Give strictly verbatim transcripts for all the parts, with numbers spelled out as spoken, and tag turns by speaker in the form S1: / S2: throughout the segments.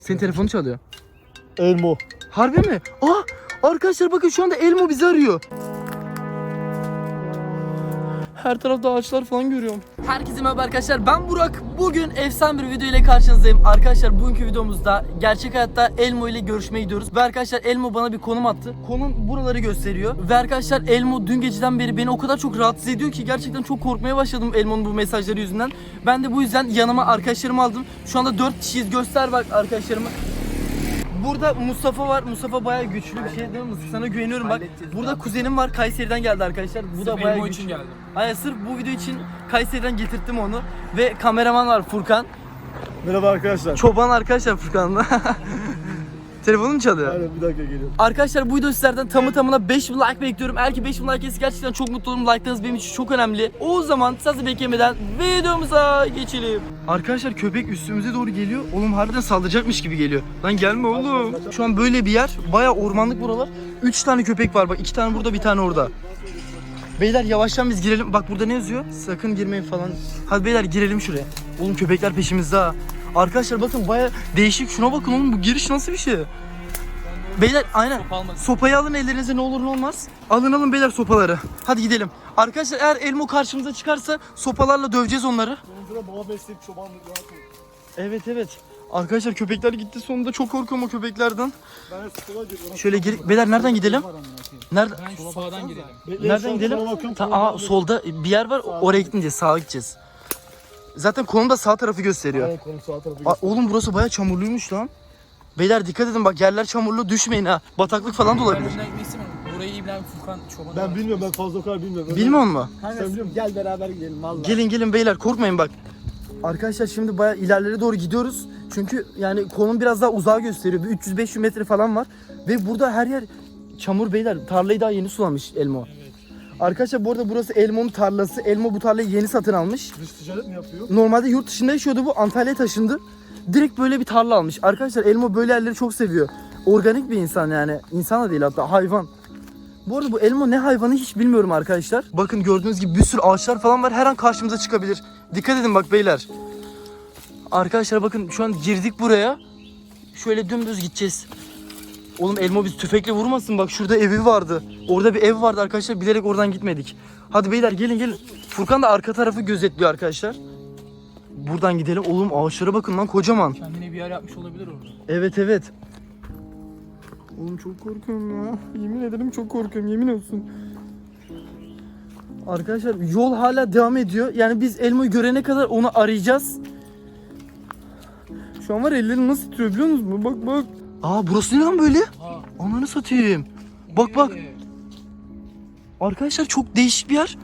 S1: Senin telefonu çalıyor.
S2: Elmo.
S1: Harbi mi? Aa, arkadaşlar bakın şu anda Elmo bizi arıyor. Her tarafta ağaçlar falan görüyorum. Herkese merhaba arkadaşlar, ben Burak. Bugün efsane bir video ile karşınızdayım. Arkadaşlar bugünkü videomuzda gerçek hayatta Elmo ile görüşmeye gidiyoruz. Ve arkadaşlar Elmo bana bir konum attı. Konum buraları gösteriyor. Ve arkadaşlar Elmo dün geceden beri beni o kadar çok rahatsız ediyor ki gerçekten çok korkmaya başladım Elmo'nun bu mesajları yüzünden. Ben de bu yüzden yanıma arkadaşlarımı aldım. Şu anda dört kişiyiz, göster bak arkadaşlarımı. Burada Mustafa var. Mustafa bayağı güçlü bir şey değil mi? Sana güveniyorum bak. Burada kuzenim var. Kayseri'den geldi arkadaşlar. Bu da bayağı güçlü. Için geldim. Aynen, sırf bu video için Kayseri'den getirttim onu. Ve kameraman var Furkan.
S2: Merhaba arkadaşlar.
S1: Çoban arkadaşlar Furkan'la. Telefonum çalıyor.
S2: Aynen, bir dakika geliyorum.
S1: Arkadaşlar bu video sizlerden tamı tamına beş bin like bekliyorum. Eğer ki beş bin like gelirse gerçekten çok mutlu olurum. Like'larınız benim için çok önemli. O zaman sizi beklemeden videomuza geçelim. Arkadaşlar köpek üstümüze doğru geliyor. Oğlum harbiden saldıracakmış gibi geliyor. Lan gelme oğlum. Şu an böyle bir yer. Bayağı ormanlık buralar. üç tane köpek var bak. iki tane burada, bir tane orada. Beyler yavaştan biz girelim. Bak burada ne yazıyor? Sakın girmeyin falan. Hadi beyler girelim şuraya. Oğlum köpekler peşimizde ha. Arkadaşlar bakın bayağı değişik. Şuna bakın oğlum, bu giriş nasıl bir şey? Beyler aynen. Sopayı alın ellerinize, ne olur ne olmaz. Alın alın beyler sopaları. Hadi gidelim. Arkadaşlar eğer Elmo karşımıza çıkarsa sopalarla döveceğiz onları.
S2: Sonunda baba besleyip çobanlık yaptım.
S1: Evet evet. Arkadaşlar köpekler gitti sonunda, çok korkuyorum o köpeklerden.
S2: Ben de sıkıla gidiyorum.
S1: Şöyle gir. Beyler nereden gidelim? Nerede?
S3: Ben sağdan gidelim.
S1: Nereden gidelim? Ta, aa, solda bir yer var. Oraya gidince sağa gideceğiz. Zaten konum da sağ tarafı gösteriyor.
S2: Aynen, konu sağ tarafı
S1: Aa, oğlum burası bayağı çamurluymuş lan. Beyler dikkat edin bak, yerler çamurlu, düşmeyin ha. Bataklık falan da
S3: Ben
S1: olabilir.
S3: önden gitmek istemiyorum. Burayı İbrahim Furkan çobanı.
S2: Ben bilmiyorum, ben fazla o kadar bilmiyorum.
S1: Bilmiyor musun?
S2: Sen biliyor musun? Gel beraber gidelim vallahi.
S1: Gelin gelin beyler, korkmayın bak. Arkadaşlar şimdi bayağı ilerlere doğru gidiyoruz. Çünkü yani konum biraz daha uzağa gösteriyor. Bir üç yüz beş yüz metre falan var. Ve burada her yer çamur beyler. Tarlayı daha yeni sulamış Elmo. Evet. Arkadaşlar bu arada burası Elmo'nun tarlası. Elmo bu tarlayı yeni satın almış.
S2: Dış ticaret mi yapıyor?
S1: Normalde yurt dışında yaşıyordu bu. Antalya'ya taşındı. Direkt böyle bir tarla almış. Arkadaşlar Elmo böyle yerleri çok seviyor. Organik bir insan yani. İnsan da değil, hatta hayvan. Bu arada bu Elmo ne hayvanı hiç bilmiyorum arkadaşlar. Bakın gördüğünüz gibi bir sürü ağaçlar falan var. Her an karşımıza çıkabilir. Dikkat edin bak beyler. Arkadaşlar bakın şu an girdik buraya. Şöyle dümdüz gideceğiz. Oğlum Elmo bizi tüfekle vurmasın, bak şurada evi vardı. Orada bir ev vardı arkadaşlar, bilerek oradan gitmedik. Hadi beyler gelin gelin. Furkan da arka tarafı gözetliyor arkadaşlar. Buradan gidelim. Oğlum ağaçlara bakın lan, kocaman.
S3: Kendine bir yer yapmış olabilir orada.
S1: Evet evet. Oğlum çok korkuyorum ya. Yemin ederim çok korkuyorum, yemin olsun. Arkadaşlar yol hala devam ediyor. Yani biz Elmo'yu görene kadar onu arayacağız. Şu an var, ellerim nasıl titriyor biliyor musunuz? Bak bak. Aa burası ne lan böyle?
S3: Ha.
S1: Ananı satayım. Bak bak.
S3: Ee,
S1: Arkadaşlar çok değişik bir yer.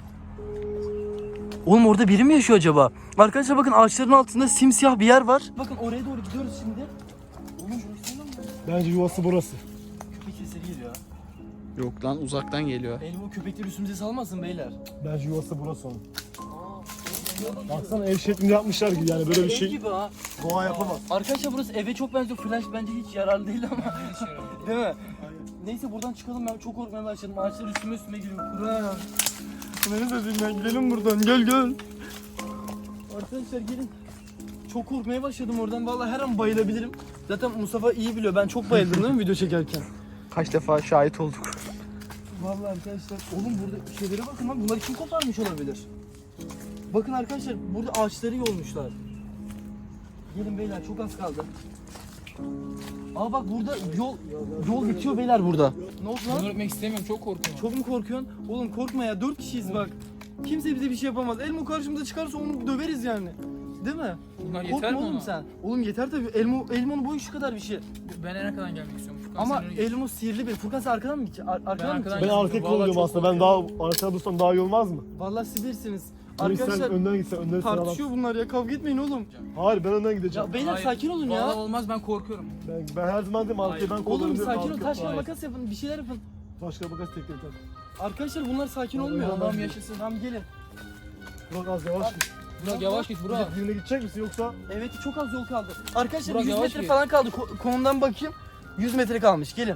S1: Oğlum orada biri mi yaşıyor acaba? Arkadaşlar bakın ağaçların altında simsiyah bir yer var. Bakın oraya doğru gidiyoruz şimdi. Oğlum burası ne lan?
S2: Bence yuvası burası.
S1: Köpek sesleri geliyor.
S3: Yok lan, uzaktan geliyor.
S1: Elmo köpekleri üstümüze salmasın beyler.
S2: Bence yuvası burası onun. Baksana ev şeklinde yapmışlar gibi, yani böyle bir
S1: Ev
S2: şey
S1: gibi ha.
S2: doğa yapamaz.
S1: Arkadaşlar burası eve çok benziyor. Flash bence hiç yararlı değil ama. Değil mi? Neyse buradan çıkalım, ben çok korkmaya başladım. Ağaçlar üstüme üstüme geliyor. Kur'an. Beni de dinlen, gidelim buradan, gel gel. Arkadaşlar gelin. Çok korkmaya başladım oradan, vallahi her an bayılabilirim. Zaten Mustafa iyi biliyor, ben çok bayıldım değil mi video çekerken?
S3: Kaç defa şahit olduk.
S1: Vallahi arkadaşlar, oğlum burada şeylere bakın lan, bunları kim koparmış olabilir? Bakın arkadaşlar, burada ağaçları yolmuşlar. Gelin beyler, çok az kaldı. Aa bak burada yol yol bitiyor beyler burada. Ne oldu
S3: Bunu
S1: lan?
S3: öpmek istemiyorum, çok korkuyorum.
S1: Çok mu korkuyorsun? Oğlum korkma ya, dört kişiyiz bak. Kimse bize bir şey yapamaz. Elmo karşımıza çıkarsa onu döveriz yani. Değil mi?
S3: Bunlar
S1: Korkma
S3: yeter mi
S1: oğlum
S3: ona?
S1: sen. Oğlum yeter tabii. Elmo, Elmo'nun boyu şu kadar bir şey.
S3: Ben en arkadan gelmek istiyorum. Furkan,
S1: Ama
S3: sen öne geç.
S1: Elmo sihirli bir. Furkan sen arkadan mı gideceksin? Ar- arkadan mı
S3: arkadan
S1: gideceksin?
S2: Ben
S3: Vallahi
S2: arkaya
S3: çok
S2: kullanıyorum aslında. Ben daha arkada dursam daha iyi olmaz mı?
S1: Vallahi siz bilirsiniz.
S2: Arkadaşlar sen
S1: Arkadaşlar
S2: önden gitsen, önden sen
S1: tartışıyor bunlar ya. Kavga etmeyin oğlum.
S2: Hayır, ben önden gideceğim.
S1: Ya beyler
S3: Hayır,
S1: sakin olun
S3: vallahi
S1: ya.
S3: olmaz, ben korkuyorum.
S2: Ben, ben her zaman dedim arkayı ben
S1: Oğlum
S2: kullanıyorum.
S1: sakin ol.
S2: arka-
S1: Taş kağıt
S3: Hayır.
S1: makas yapın. Bir şeyler yapın.
S2: Taş kağıt makas tek tek tak.
S1: Arkadaşlar bunlar sakin
S2: Ya,
S1: olmuyor.
S2: Allah'ım
S1: Tamam
S3: yaşasın.
S1: Tamam gelin.
S2: Burak az yavaş git.
S3: Burak yavaş git Burak.
S2: Burak birine gidecek misin yoksa?
S1: Evet çok az yol kaldı. Arkadaşlar
S3: Burak,
S1: yüz
S3: yavaş
S1: metre
S3: git.
S1: falan kaldı. Ko- konumdan bakayım. yüz metre kalmış. Gelin.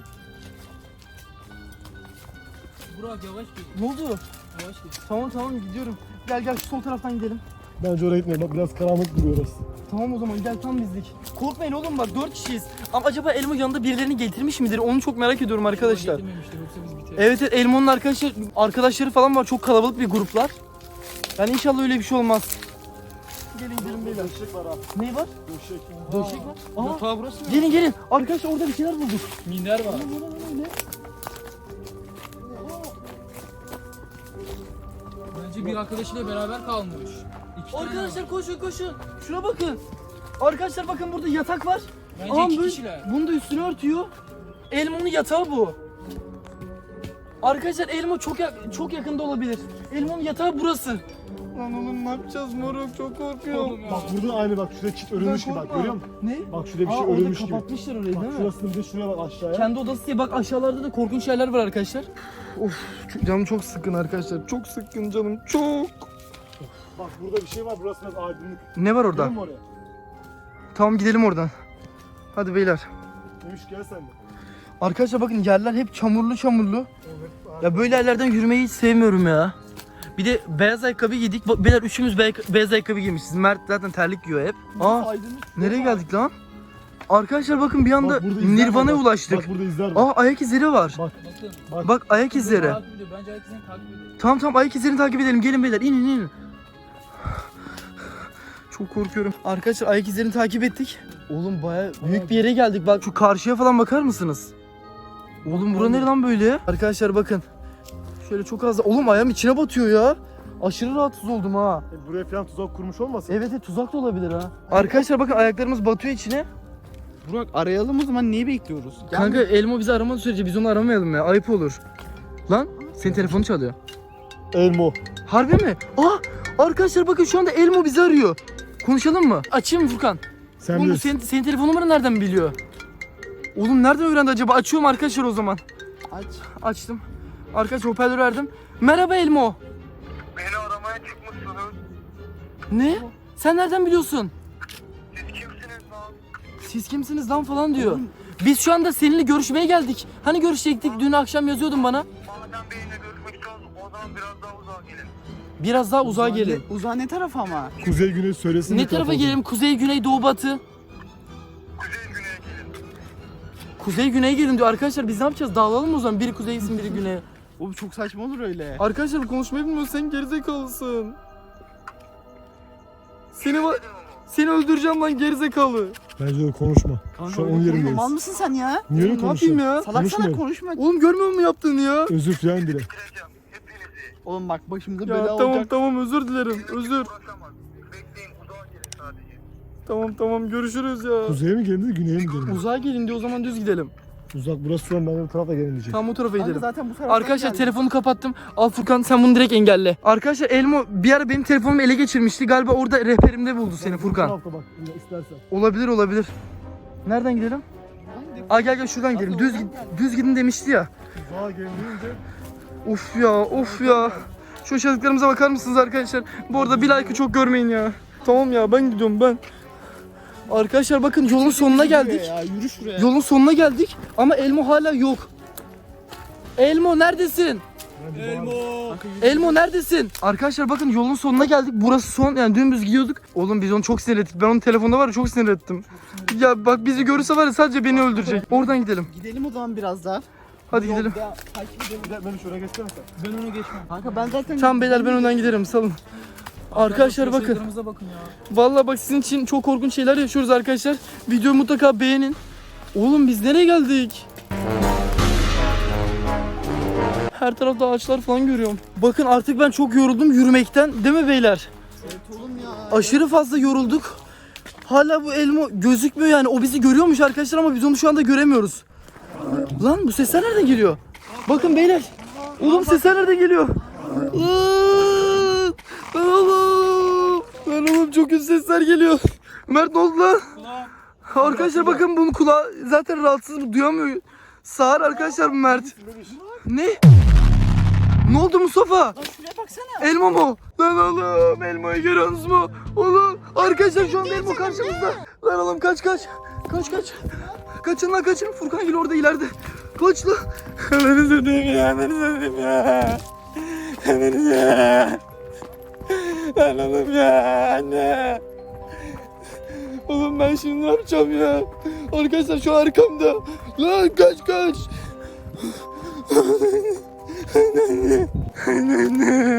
S3: Burak yavaş git.
S1: Ne oldu?
S3: Yavaş git.
S1: Tamam tamam gidiyorum. Gel gel şu sol taraftan gidelim.
S2: Bence oraya gitmeyelim. Bak biraz karanlık duruyor orası.
S1: Tamam o zaman gel tam bizlik. Korkmayın oğlum bak dört kişiyiz. Ama acaba Elmo yanında birilerini getirmiş midir? Onu çok merak ediyorum arkadaşlar.
S3: Getirmemiştir, yoksa biz biteriz.
S1: Evet evet Elmo'nun arkadaşlar arkadaşları falan var. Çok kalabalık bir gruplar. Yani inşallah öyle bir şey olmaz. Gelin gidelim beyler.
S2: Döşek var ha.
S1: Ne var?
S2: Döşek.
S1: Döşek var. Aa,
S3: Yatağı burası mı?
S1: gelin gelin. Arkadaşlar orada bir şeyler bulduk.
S3: Minder var. Bence bir arkadaşıyla beraber kalmış. İki tane
S1: Arkadaşlar
S3: var.
S1: koşun koşun. Şuna bakın. Arkadaşlar bakın burada yatak var.
S3: Bence
S1: Aa,
S3: iki
S1: böyle-
S3: kişiler.
S1: Bunu da üstüne örtüyor. Elmo'nun yatağı bu. Arkadaşlar Elmo çok yak- çok yakında olabilir. Elmo'nun yatağı burası. Lan oğlum ne yapacağız moruk çok korkuyorum.
S3: Oğlum ya.
S2: Bak burada aynı bak şurada çit örülmüş gibi bak görüyor musun?
S1: Ne?
S2: Bak şurada bir
S1: Aa,
S2: şey
S1: orada
S2: örülmüş gibi.
S1: kapatmışlar orayı
S2: Bak
S1: değil mi?
S2: şurasında bir de şuraya bak aşağıya.
S1: Kendi odası diye bak aşağılarda da korkunç yerler var arkadaşlar. Of çok- canım çok sıkkın arkadaşlar. Çok sıkkın canım çok.
S2: Bak burada bir şey var burası biraz aydınlık.
S1: Ne var orada?
S2: Gidelim mi oraya?
S1: Tamam gidelim oradan. Hadi beyler.
S2: Demiş gel sen de.
S1: Arkadaşlar bakın yerler hep çamurlu çamurlu. Ya böyle yerlerden yürümeyi hiç sevmiyorum ya. Bir de beyaz ayakkabı giydik. Bak, beyler üçümüz bey- beyaz ayakkabı giymişiz. Mert zaten terlik giyiyor hep. Aa
S2: Aydınlık.
S1: nereye geldik lan? Arkadaşlar bakın bir anda
S2: Bak burada izler var,
S1: Nirvana'ya
S2: bak.
S1: ulaştık.
S2: Bak burada izler var.
S1: Aa ayak izleri var.
S2: Bak
S3: Bakın.
S2: bak.
S1: Bak ayak izleri.
S3: Takip ediyor. Bence ayak izlerini takip ediyor.
S1: Tamam tamam ayak izlerini takip edelim. Gelin beyler inin inin. Çok korkuyorum. Arkadaşlar ayak izlerini takip ettik. Oğlum baya büyük bir yere geldik. Bak şu karşıya falan bakar mısınız? Oğlum bura ne lan böyle? Arkadaşlar bakın. Şöyle çok az da... Oğlum ayağım içine batıyor ya. Aşırı rahatsız oldum ha.
S2: E, buraya falan tuzak kurmuş olmasın?
S1: Evet evet tuzak da olabilir ha. Arkadaşlar bakın ayaklarımız batıyor içine.
S4: Burak arayalım o zaman, neyi bekliyoruz?
S1: Kanka Elmo bizi aramadığı sürece biz onu aramayalım ya. Ayıp olur. Lan senin telefonu çalıyor.
S2: Elmo.
S1: Harbi mi? Aa arkadaşlar bakın şu anda Elmo bizi arıyor. Konuşalım mı? Açayım mı Furkan?
S2: Sen
S1: Oğlum bu
S2: bilirsin.
S1: senin, senin telefon numaranı nereden biliyor? Oğlum nereden öğrendi acaba? Açıyorum arkadaşlar o zaman.
S4: Aç.
S1: Açtım. Arkadaşlar hoparlörü verdim. Merhaba Elmo.
S5: Beni aramaya çıkmışsınız.
S1: Ne? Sen nereden biliyorsun?
S5: Siz kimsiniz lan?
S1: Siz kimsiniz lan falan diyor. Biz şu anda seninle görüşmeye geldik. Hani görüşecektik? Dün akşam yazıyordun bana.
S5: Madem benimle görüşmek istiyorsunuz o zaman biraz daha uzağa gelin.
S1: Biraz daha uzağa gelin.
S4: Uzağa ne taraf ama?
S2: Kuzey güney söylesin.
S1: Ne
S2: bir
S1: tarafa
S2: taraf
S1: gelelim? Kuzey, güney, doğu, batı.
S5: Kuzey güneye gelin.
S1: Kuzey, güneye gelin diyor. Arkadaşlar biz ne yapacağız? Dağılalım o zaman. Biri kuzey gitsin, biri güneye.
S4: O çok saçma olur öyle.
S1: Arkadaşlar bu konuşmayı bilmiyorsun. Sen gerizekalısın. Seni va- seni öldüreceğim lan gerizekalı.
S2: Bence de konuşma.
S4: Kanka
S2: Şu an
S4: öyle
S2: on
S4: konuşma.
S2: yerindeyiz.
S4: Mal mısın sen ya?
S2: Niye öyle
S1: Ne yapayım
S2: konuşuyorsun?
S1: ya?
S4: Salak salak
S2: Konuşmuyorum.
S4: konuşma.
S1: Oğlum görmüyor musun yaptığını ya?
S2: Özür falan dile.
S5: Bitireceğim hepinizi.
S4: Oğlum bak başımıza
S1: Ya
S4: bela
S1: tamam
S4: olacak.
S1: tamam özür dilerim. Özür.
S5: Uğraşamaz. Bekleyin uzağa gelin sadece.
S1: Tamam tamam görüşürüz ya.
S2: Kuzeye mi gelin güneye mi gelin?
S1: Uzağa gelin diyor o zaman düz gidelim.
S2: Uzak burası şu an ben de bu tarafa gelin diyecek.
S1: Tamam o tarafa
S4: Kanka
S1: gidelim.
S4: zaten bu taraftan
S1: Arkadaşlar
S4: geldik.
S1: telefonu kapattım. Al Furkan sen bunu direkt engelle. Arkadaşlar Elmo bir ara benim telefonumu ele geçirmişti. Galiba orada rehberimde buldu seni
S2: Bu
S1: Furkan.
S2: tarafta bak istersen.
S1: Olabilir olabilir. Nereden gidelim? Aa gel gel şuradan gidelim. Düz git, düz gidin demişti ya.
S2: Uzağa gelin deyince
S1: Of ya of ya. Şu yaşadıklarımıza bakar mısınız arkadaşlar? Bu arada bir like'ı çok görmeyin ya. Tamam ya ben gidiyorum ben. Arkadaşlar bakın yolun sonuna geldik.
S4: Ya yürü şuraya.
S1: Yolun sonuna geldik ama Elmo hala yok. Elmo neredesin?
S2: Elmo.
S4: Kanka yürü.
S1: Elmo neredesin? Arkadaşlar bakın yolun sonuna geldik. Burası son yani dümdüz gidiyorduk. Oğlum biz onu çok sinir ettik. Ben onun telefonda var ya çok sinir ettim. Ya bak bizi görürse var ya sadece beni öldürecek. Oradan gidelim.
S4: Gidelim o zaman biraz daha.
S1: Hadi gidelim.
S4: Yolda takip edelim.
S2: Gel beni şuraya geçsene sen.
S3: Ben onu geçmem.
S4: Kanka ben zaten...
S1: Tamam beyler ben önden giderim salın. Arkadaşlar bakın.
S3: Yaşadıklarımıza bakın ya.
S1: Vallahi bak sizin için çok korkunç şeyler yaşıyoruz arkadaşlar. Videoyu mutlaka beğenin. Oğlum biz nereye geldik? Her tarafta ağaçlar falan görüyorum. Bakın artık ben çok yoruldum yürümekten. Değil mi beyler?
S4: Evet oğlum ya.
S1: Aşırı fazla yorulduk. Hala bu Elmo gözükmüyor yani. O bizi görüyormuş arkadaşlar ama biz onu şu anda göremiyoruz. Lan bu sesler nereden geliyor? Bakın beyler. Oğlum sesler nereden geliyor? Lan lan oğlum. Lan oğlum çok kötü sesler geliyor. Mert ne oldu lan? Arkadaşlar bakın bunun kulağı zaten rahatsız bu duyamıyor. Sağır arkadaşlar bu Mert. Ne? Ne oldu Mustafa?
S4: Lan şuraya baksana.
S1: Elmo mu? Lan oğlum Elmo'yu görüyorsunuz mu? Oğlum arkadaşlar şu anda Elmo karşımızda. Lan oğlum kaç kaç. Kaç kaç. Kaçın lan kaçın. Furkan Gül orada ileride. Kaç lan. Beni sevdim ya. Beni sevdim ya. Beni sevdim. Lan oğlum ya anne. Oğlum ben şimdi ne yapacağım ya? Arkadaşlar şu arkamda. Lan kaç kaç. Anne. Anne.